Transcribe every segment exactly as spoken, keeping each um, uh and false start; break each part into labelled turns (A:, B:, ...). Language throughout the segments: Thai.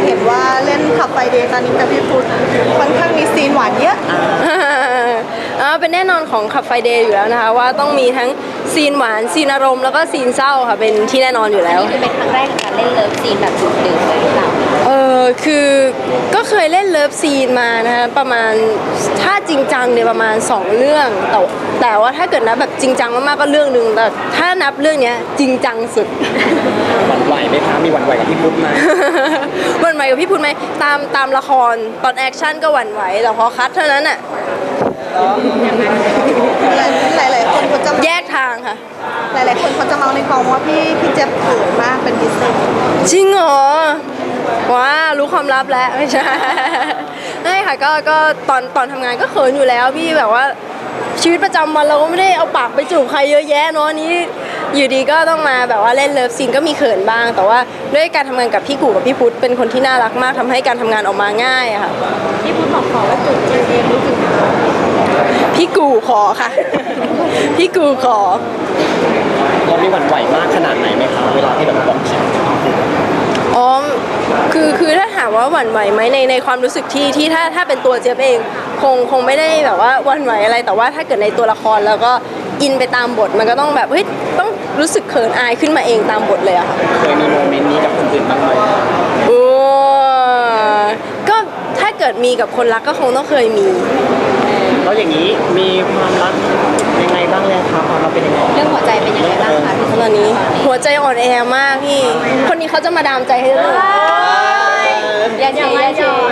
A: เห็นว่าเล่นขับไฟเดย์ตอนนี้กับพี่พุทธค่อนข้างมีซีนหวานเยอะ
B: อ่าเป็นแน่นอนของขับไฟเดย์อยู่แล้วนะคะว่าต้องมีทั้งซีนหวานซีนอารมณ์แล้วก็ซีนเศร้าค่ะเป็นที่แน่นอนอยู่แล้ว
C: นี่คือเป็นครั้งแรกในการเล่นเลิฟซีนแบบดุเดือดเลยหรือเปล่า
B: เออคือก็เคยเล่นเลิฟซีนมานะคะประมาณถ้าจริงจังเนี่ยประมาณสองเรื่องแต่แต่ว่าถ้าเกิดนับแบบจริงจังมากๆก็เรื่องนึงแต่ถ้านับเรื่องนี้จริงจังสุด
D: หวั่นไหวไหมคะมีหวั่นไหวกับพี่พุทธไหม
B: หวั่นไหวกับพี่พุทธไหมตามตามละครตอนแอคชั่นก็หวั่นไหวแต่พอคัทเท่านั้นอ่ะ
A: หลายหลายคนเขาจะ
B: แยกทางค่ะ
A: หลายหลายคนเขาจะเมาในกองว่าพี่พี่เจ็บเขินมากเป็นพิเศษ
B: จริงเหรอว้ารู้ความลับแล้วไม่ใช่ไม่ค่ะก็ก็ตอนตอนทำงานก็เขินอยู่แล้วพี่แบบว่าชีวิตประจำวันเราก็ไม่ได้เอาปากไปจูบใครเยอะแยะเนาะนี้อยู่ดีก็ต้องมาแบบว่าเล่นเลิฟซีนก็มีเขินบ้างแต่ว่าด้วยการทำงานกับพี่กู่กับพี่พุทธเป็นคนที่น่ารักมากทำให้การทำงานออกมาง่ายอะค่ะ
C: พี่พุทธบอกขอว่าจูบเจเองรู้สึก
B: พี่กู่ขอค่ะพี่กู่ขอ
D: เรามีหวั่นไหวมากขนาดไหนไหมคะเวลาที่แบบบอกฉัน
B: อ๋อคือคือถ้าถามว่าหวั่นไหวไหมในในความรู้สึกที่ที่ถ้าถ้าเป็นตัวเจี๊ยบเองคงคงไม่ได้แบบว่าหวั่นไหวอะไรแต่ว่าถ้าเกิดในตัวละครแล้วก็อินไปตามบทมันก็ต้องแบบเฮ้ยต้องรู้สึกเขินอายขึ้นมาเองตามบทเลยอะค่ะ
D: เคยมีโมเมนต์นี้กับคนอื่นบ้างไหม
B: โอ้ก็ถ้าเกิดมีกับคนรักก็คงต้องเคยมี
D: แล้วอย่างนี้มีความรักยังไงบ้างเลยคะความรักเป็นยังไง
C: เรื่องหัวใจเป็นยังไงบ้างคะ
B: ตอนนี้หัวใจอ่อนแอมากพี่คนนี้เขาจะมาดามใจให้เลย
C: อย่าเชียร์อย่าเชียร์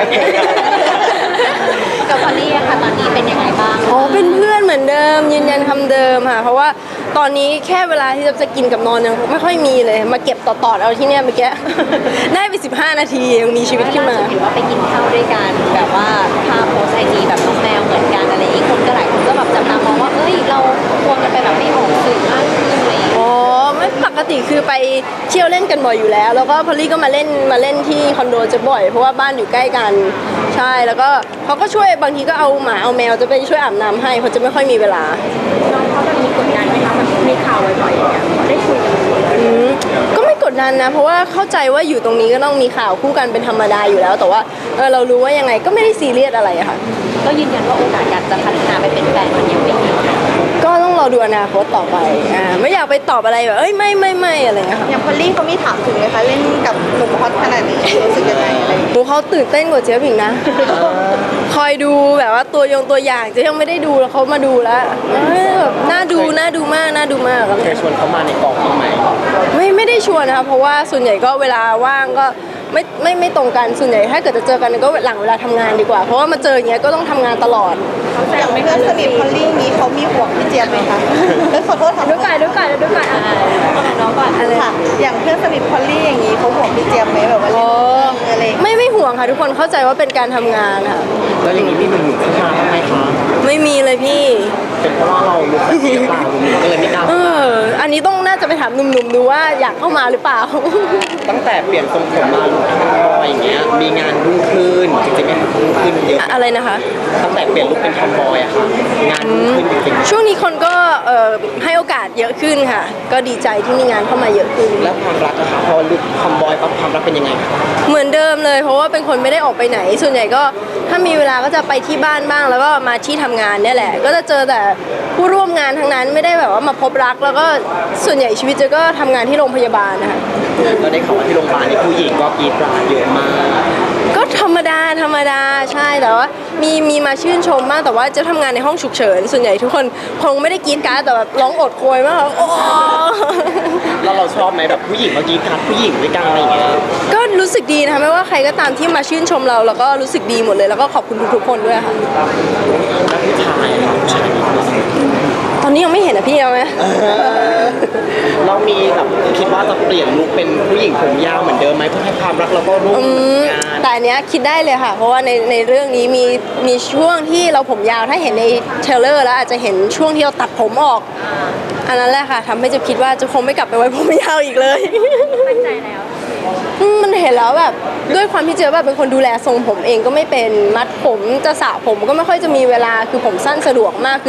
C: กับพอลลี่ค่ะตอนนี้เป็นยังไงบ้าง
B: อ๋อเป็นเพื่อนเหมือนเดิมยืนยันคำเดิมค่ะเพราะว่าตอนนี้แค่เวลาที่จะกินกับนอนยังไม่ค่อยมีเลยมาเก็บต่อๆเอาที่เนี้ยเมื่อกี้ได้ไปสิบห้านาทียังมีชีวิตขึ้นมา
C: เห็นว่าไปกินข้าวด้วยกันแบบว่าภาพโพสไอจีแบบน้องแมวเหมือนกันอะไรอีกคนก็หลายคนก็แบบจับตามองว่าเอ้ยเราควรกันไปแบบไม่ออกสื่อมากขึ้นอะไร
B: อ๋อไม่ปกติคือไปเที่ยวเล่นกันบ่อยอยู่แล้วแล้วก็พอลลี่ก็มาเล่นมาเล่นที่คอนโดจะบ่อยเพราะว่าบ้านอยู่ใกล้กันใช่แล้วก็เขาก็ช่วยบางทีก็เอาหมาเอาแมวจะไปช่วยอาบน้ำให้เพราะจะไม่ค่อยมีเวลา
C: น้องเขาจะมีกดดันไหมคะมันมีข่าวบ่อยๆอย่างเงี้ยได้คุยกัน
B: ก็ไม่กดดันนะเพราะว่าเข้าใจว่าอยู่ตรงนี้ก็ต้องมีข่าวคู่กันเป็นธรรมดาอยู่แล้วแต่ว่าเออเรารู้ว่ายังไงก็ไม่ได้ซีเรียสอะไรอะค่ะ
C: ก็ยืนยันว่าโอกาสการจะพัฒนาไปเป็นแฟนมันยังไม่มี
B: ก็ต้องรอดูอนาคตต่อไปอ่าไม่อยากไปตอบอะไรแบบเอ้ยไม่ไม่ไม่อะไรเงี้ยค่ะ
A: อย่างพอลลี่เขามีถามถึงเลยคะเล่นกับหนุ่มฮอตขนาดนี้รู้สึกยังไงอะไร
B: โหเขาตื่นเต้นกว่าเจี๊ยบอีกนะคอยดูแบบว่าตัวยงตัวอย่างจะยังไม่ได้ดูแล้วเขามาดูแล้วแบบน่าดูน่าดูมากน่าดูมาก
D: เคยชวนเขามาในกองบ้างไหม
B: ไม่ไม่ได้ชวนนะคะเพราะว่าส่วนใหญ่ก็เวลาว่างก็ไม่ไม่ไม่ตรงกันส่วนใหญ่ถ้าเกิดจะเจอกันก็หลังเวลาทำงานดีกว่าเพราะว่ามาเจออย่างเงี้ยก็ต้องทำงานตลอด
A: อย่างเพื่อนสนิทพอลลี่นี้เขามีห่วงพี่เจี๊ยบไหมคะขอโทษค่ะ
B: ดูก่อนดูก่อนดูก่อน
A: น้องก่อนอะไรค่ะอย่างเพื่อนสนิทพอลลี่อย่างนี้เขาห่วงพี่เจี๊ยบไหมแบบว่าเล่นอะไร
B: ไม่ไม่ห่วงค่ะทุกคนเข้าใจว่าเป็นการทำงานค่ะ
D: แล้วอย่างนี้มีหนุ่มๆเข้ามาบ้างไหมคะ
B: ไม่มีเลยพี่
D: เป็นเพราะว่าเราลุกแบบนี้หรือเปล่าก็เลยไม่กล้า
B: เอออันนี้ต้องน่าจะไปถามหนุ่มๆดูว่าอยากเข้ามาหรือเปล่า
D: ตั้งแต่เปลี่ยนทรงผมมาลุคทำบอยอย่างเงี้ยมีงานรุ่งขึ้นจริงๆไม่รุ่งขึ้นเยอะ
B: อะไรนะคะ
D: ตั้งแต่เปลี่ยนลุคเป็นทำบอยอะค่ะงานรุ่งขึ้นจริง
B: ๆช่วงนี้คนก็เอ่อให้โอกาสเยอะขึ้นค่ะก็ดีใจที่มีงานเข้ามาเยอะขึ้น
D: แล้วความรักนะคะพอลุคทำบอยปั๊บความรักเป็นยังไงคะ
B: เหมือนเดิมเลยเพราะว่าเป็นคนไม่ได้ออกไปไหนส่วนใหญ่ก็ถ้ามีเวลาก็จะไปที่บ้านบ้างแล้วก็มาที่ทำงานเนี่ยแหละก็จะเจอแต่ผู้ร่วมงานทั้งนั้นไม่ได้แบบว่ามาพบรักแล้วก็ส่วนใหญ่ชีวิตเจอก็ทำงานที่โรงพยาบาลนะคะ
D: เราได้ข่าวว่าที่โรงพยาบาลนี่ผู้หญิงก็กรีดกราดเยอะมาก
B: ก็ธรรมดาธรรมดาใช่แต่ว่ามีมีมาชื่นชมมากแต่ว่าจะทำงานในห้องฉุกเฉินส่วนใหญ่ทุกคนคงไม่ได้กรีดกราดแต่แบบร้องโอดโอยมากโอ้
D: แล้วเราชอบไหมแบบผู้หญิงมากรีดกราดผู้หญิงด้วยกันอะไรอย่างเงี้ย
B: ก็รู้สึกดีนะคะไม่ว่าใครก็ตามที่มาชื่นชมเราแล้วก็รู้สึกดีหมดเลยแล้วก็ขอบคุณทุกๆคนด้วยค่ะ
D: แล้วผู้ชายผู้ชาย
B: ตอนนี้ยังไม่เห็นอะพี่เอาไหม
D: เรามีแบบคิดว่าจะเปลี่ยนลุคเป็นผู้หญิงผมยาวเหมือนเดิมไหมเพื่อให้ความรักเราก็รุ่ง
B: แต่อันเนี้ยคิดได้เลยค่ะเพราะว่าในในเรื่องนี้มีมีช่วงที่เราผมยาวถ้าเห็นในเทรลเลอร์แล้วอาจจะเห็นช่วงที่เราตัดผมออกอันนั้นแหละค่ะทำให้จะคิดว่าจะคงไม่กลับไปไว้ผมยาวอีกเลย
C: มั่นใจแล้ว
B: มันเห็นแล้วแบบด้วยความที่เจอแบบเป็นคนดูแลทรงผมเองก็ไม่เป็นมัดผมจะสระผมก็ไม่ค่อยจะมีเวลาคือผมสั้นสะดวกมากคือ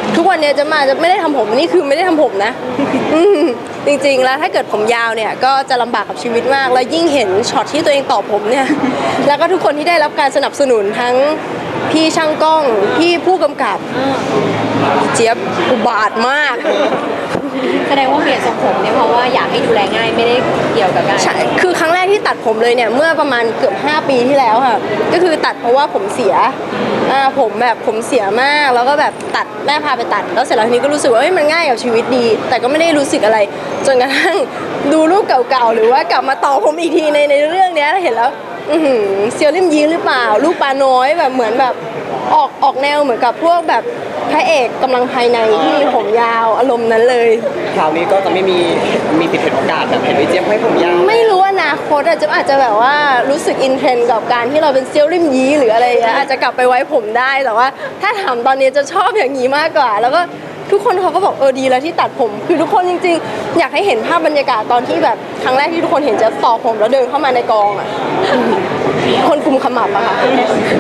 B: ทุกวันเนี้ยจะมาจะไม่ได้ทำผมนี่คือไม่ได้ทำผมนะ อืมจริงๆแล้วถ้าเกิดผมยาวเนี่ยก็จะลำบากกับชีวิตมาก แล้วยิ่งเห็นช็อตที่ตัวเองต่อผมเนี่ย แล้วก็ทุกคนที่ได้รับการสนับสนุนทั้งพี่ช่างกล้องพี่ผู้กำกับเจี๊ยบอุบาทมาก
C: แสดงว่าเปลี่ยนทรงผมเนี่ยเพราะว่าอยากให้ดูแลง่ายไม่ได้เกี่ยวกับการ
B: ใช่คือครั้งแรกที่ตัดผมเลยเนี่ยเมื่อประมาณเกือบห้าปีที่แล้วค่ะก็คือตัดเพราะว่าผมเสียอ่าผมแบบผมเสียมากแล้วก็แบบตัดแม่พาไปตัดแล้วเสร็จแล้วทีนี้ก็รู้สึกว่าเอ้ยมันง่ายกับชีวิตดี แต่ก็ไม่ได้รู้สึกอะไร จนกระทั่งดูรูปเก่าๆหรือว่ากลับมาต่อผมอีกทีในในเรื่องเนี้ยแล้วเห็นแล้วอือหือเซียวริมยีหรือเปล่าลูกปลาน้อยแบบเหมือนแบบออกออกแนวเหมือนกับพวกแบบพระเอกกำลังภายในที่มีผมยาวอารมณ์นั้นเลย
D: คราวนี้ก็จะไม่มีมีสิทธิ์เห็นโอกาสแบบเห็นพี่เจี๊ยบให้ผมยาว
B: ไม่รู้อนาคตอาจจะอาจจะแบบว่ารู้สึกอินเทรนด์กับการที่เราเป็นเซียวริมยีหรืออะไรอย่างเงี้ยอาจจะกลับไปไว้ผมได้แต่ว่า ถ้าถามตอนนี้จะชอบอย่างนี้มากกว่า แล้วก็ทุกคนเขาก็บอกเออดีแล้วที่ตัดผม คือทุกคนจริงๆ อยากให้เห็นภาพบรรยากาศตอนที่แบบครั้งแรกที่ทุกคนเห็นจะต่อผมแล้วเดินเข้ามาในกองอ่ะคนกลุ่มขมับอะค่ะ